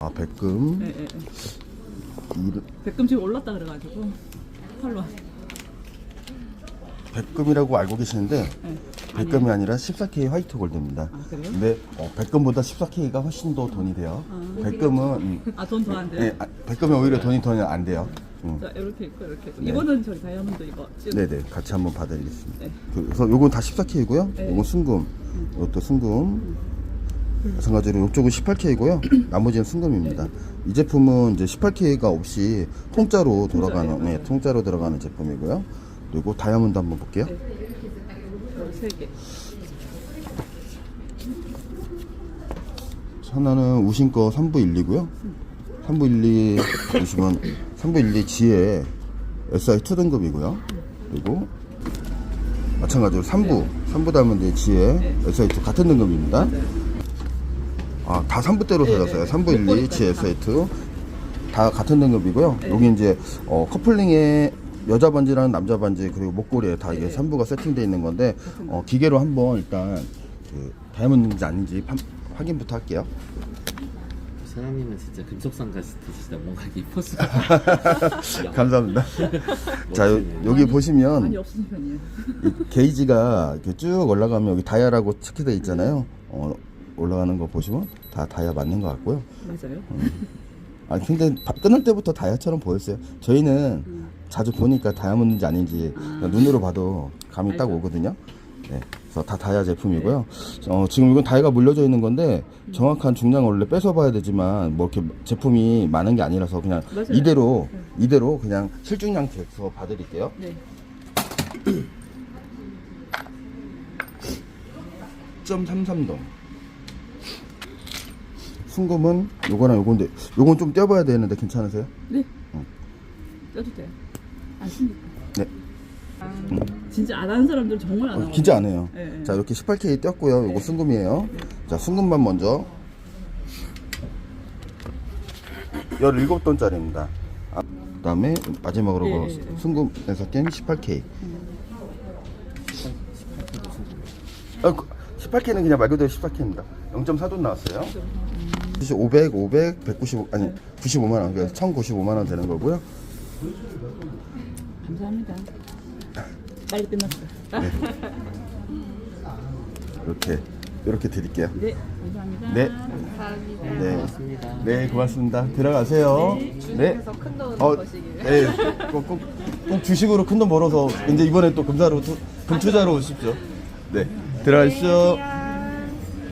아, 백금. 예, 예, 예. 백금 지금 올랐다 그래가지고 팔로. 백금이라고 알고 계시는데 예. 백금이 아니라 14K 화이트 골드입니다. 아, 그래요? 근데 백금보다 14K가 훨씬 더 돈이 돼요. 백금은 아, 돈 더 안 돼요? 예, 백금이 오히려 돈이 더 안 돼요. 자, 이렇게 있고 이렇게 있고. 네. 이거는 저기 다이아몬드 이거 찍어. 네네, 같이 한번 봐드리겠습니다. 네. 그래서 요건 다 14K고요. 네. 요건 순금, 이것도 순금. 마찬가지로 이쪽은 18K고요. 나머지는 순금입니다. 이 제품은 이제 18K가 없이 통짜로 돌아가는, 통짜예요? 네, 통짜로 들어가는 제품이고요. 그리고 다이아몬드 한번 볼게요. 네. 세 개. 하나는 우신 거 3부 1리고요. 3부 1리 보시면 3부 1리 G에 SI2 등급이고요. 그리고 마찬가지로 3부 다이아몬드 G에 SI2 같은 등급입니다. 아, 다 3부대로 사셨어요. 3부 1리 G SI2 다 같은 등급이고요. 여기 이제 커플링에 여자 반지랑 남자 반지 그리고 목걸이에 다 이게 3부가 세팅되어 있는 건데 기계로 한번 일단 그 다이아몬드인지 아닌지 확인부터 할게요. 사장님은 진짜 금속상 같으시다. 뭔가 이뻐서. 감사합니다. 자, 여기 보시면 많이 없으신 편이에요. 이 게이지가 이렇게 쭉 올라가면 여기 다이아라고 체크되어 있잖아요. 올라가는 거 보시면 다 다이아 맞는 것 같고요. 맞아요? 아, 근데 끊을 때부터 다이아처럼 보였어요. 저희는 자주 보니까 다이아몬드인지 아닌지 그냥 눈으로 봐도 감이 딱 오거든요. 네, 그래서 다 다이아 제품이고요. 지금 이건 다이아가 물려져 있는 건데 정확한 중량을 원래 뺏어봐야 되지만 뭐 이렇게 제품이 많은 게 아니라서 그냥 맞아요. 이대로 그냥 실중량 재서 봐드릴게요. 네. 10.33동. 순금은 요거랑 요건데 요건 좀 떼어봐야 되는데 괜찮으세요? 네. 떼도 돼요. 안 씁니까? 네. 진짜 안 하는 사람들은 정말 안 하고. 진짜 안 해요. 네, 네. 자, 이렇게 18K 떼었고요. 요거 순금이에요. 자, 순금만 먼저 17돈짜리입니다. 그 다음에 마지막으로 예, 예, 예. 순금에서 깬 18K. 18K는 그냥 말 그대로 14K입니다. 0.4돈 나왔어요. 195, 아니 95만원, 그래서 1095만원 되는 거고요. 감사합니다. 빨리 끝났어요. 이렇게 드릴게요. 네, 감사합니다. 네. 감사합니다. 네. 고맙습니다. 네, 고맙습니다. 들어가세요. 네. 주식에서 큰돈 어, 버시길. 네. 꼭 주식으로 큰 돈 벌어서 이제 이번에 또 금투자로 오십시오. 네. 들어가십시오.